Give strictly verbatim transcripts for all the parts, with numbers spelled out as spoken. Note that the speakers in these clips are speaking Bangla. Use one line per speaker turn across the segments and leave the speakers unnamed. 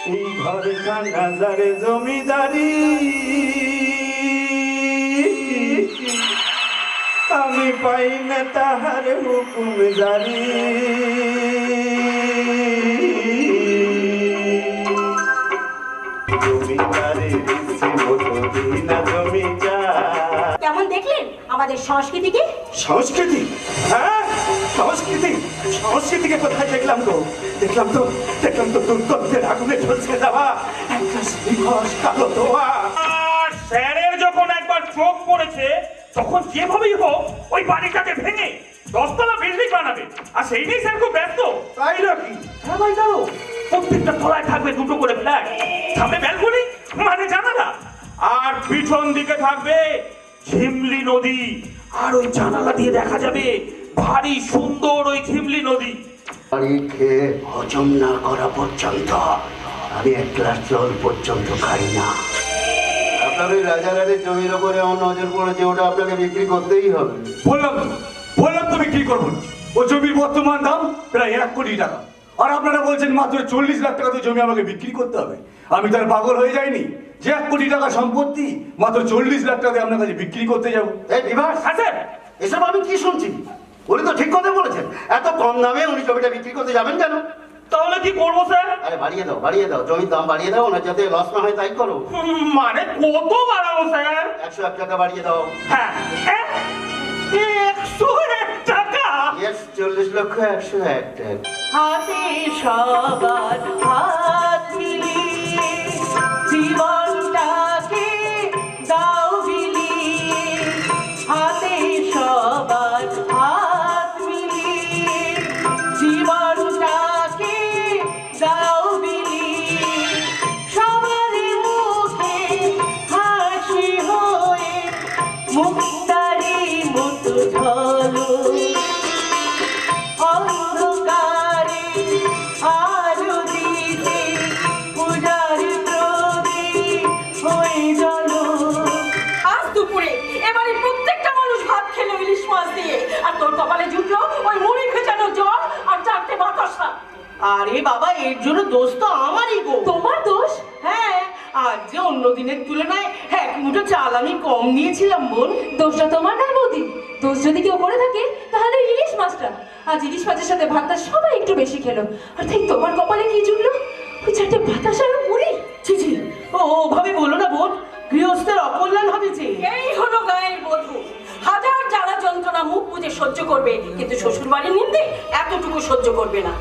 এই ঘরে খানাজারে জমিদারি আমি পাই না তাহার হুকুম জারি। জমিদারের ইচ্ছে মতো দিই না জমিদার।
কেমন দেখলেন আমাদের সংস্কৃতিকে?
সংস্কৃতি? হ্যাঁ সংস্কৃতি। সংস্কৃতিকে কোথায় দেখলাম তো দেখলাম তো দেখলাম তো দুর্গন্ধের আগুনে ঝলসে যাওয়া একটা শ্রীঘোষ কালো দোয়া।
আর স্যারের যখন একবার চোখ পড়েছে তখন যেভাবেই হোক ওই বাড়িটাকে ভেঙে দশতলা বিল্ডিং বানাবে, আর সেই নিয়ে স্যার খুব ব্যস্ত।
তাই নাকি?
হ্যাঁ ভাই জানো, প্রত্যেকটা তলায় থাকবে দুটো করে ফ্ল্যাট, সামনে ব্যালকনি মানে জানালা, আর পিছন দিকে থাকবে ঝিমলি নদী, আর ওই জানালা দিয়ে দেখা যাবে ভারী সুন্দর ওই ঝিমলি নদী।
বাড়ি খেয়ে হজম না করা পর্যন্ত আমি এক গ্লাস জল পর্যন্ত খাই না। আপনার ওই রাজারানীর জমির ওপরে আমার নজর পড়েছে, ওটা আপনাকে বিক্রি করতেই হবে।
বললাম তো বললাম তো বিক্রি করবো না। ও জমির বর্তমান দাম প্রায় এক কোটি টাকা, আর আপনারা বলছেন মাত্র চল্লিশ লাখ টাকা তো জমি আমাকে বিক্রি করতে হবে। আমি তার পাগল হয়ে যাইনি যে এক কোটি টাকা সম্পত্তি মাত্র চল্লিশ লাখ টাকা আপনার কাছে বিক্রি করতে যাবো।
এই বিভাস,
হ্যাঁ স্যার,
এসব আমি কি শুনছি? উনি তো ঠিক কথা বলেছেন, এত কম দামে উনি জমিটা বিক্রি করতে যাবেন কেন?
তাহলে কি করবো স্যার?
আরে বাড়িয়ে দাও বাড়িয়ে দাও, জমির দাম বাড়িয়ে দাও না, যাতে লস না হয় তাই করো।
হুম, মানে কত বাড়াবো স্যার?
একশো এক টাকা বাড়িয়ে দাও।
হ্যাঁ এক- একশো এক টাকা।
ইয়েস, চল্লিশ লক্ষ একশো এক টাকা।
হাতে সবার হাত মিলিয়ে জীবনটাকে দাও বিলিয়ে, হাতে সবার হাত মিলিয়ে জীবনটাকে দাও বিলিয়ে, সবার মুখে হাসি হয়ে মুক্তারি মতো ঝলো, অন্ধকারে আলো দিতে পূজারি প্রদীপ হয়ে জ্বলো।
আজ দুপুরে এবারে প্রত্যেকটা মানুষ ভাত খেলো ইলিশ মাছ দিয়ে, আর তোর কপালে জুটলো ওই মুড়ি ভেজানো জল আর চারটে বাতাসা।
আরে বাবা, এর জন্য দোষ তো আমারই গো।
তোমার দোষ?
হ্যাঁ, আজ যে অন্য দিনের তুলনায় এক মুঠো চাল আমি কম নিয়েছিলাম বোন।
দোষটা তোমার নয় বৌদি, দোষ যদি কেউ করে থাকে তাহলে ইলিশ মাছটা। আজ ইলিশ মাছের সাথে ভাতটা সবাই একটু বেশি খেলো, আর তাই তোমার কপালে কি জুটলো? ওই চারটে বাতাস আর মুড়ি।
ছি ছি, ও ওভাবে বলো না বোন, গৃহস্থের অকল্যাণ হবে যে।
এই হলো গায়ের বধূ, হাজার জ্বালা যন্ত্রণা মুখ বুঝে সহ্য করবে, কিন্তু শ্বশুর বাড়ির নিন্দে এতটুকু সহ্য করবে না।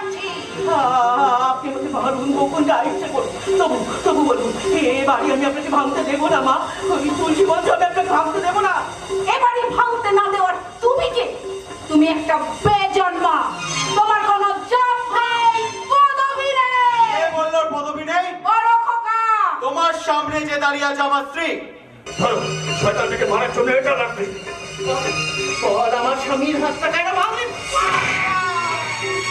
আপনি আমাকে মারুন, বকুন, যা ইচ্ছে করুন, তবু তবু বলুন, এ বাড়ি আমি আপনাকে ভাঙতে দেবো না মা। ওই তুলসী মঞ্চ আমি আপনাকে ভাঙতে দেবো না।
এবারে ভাঙতে না দেওয়ার তুমি কে? তুমি একটা বেজন্মা, তোমার কোনো জব নেই, পদবি নেই।
কে বললো পদবি নেই?
বড় খোকা।
তোমার সামনে যে দাঁড়িয়ে আছে আমার স্ত্রী।
ধরো, শয়তানটাকে মারার জন্য এটা লাগবে।
আমার স্বামীর হাতটা কেন ভাঙলেন?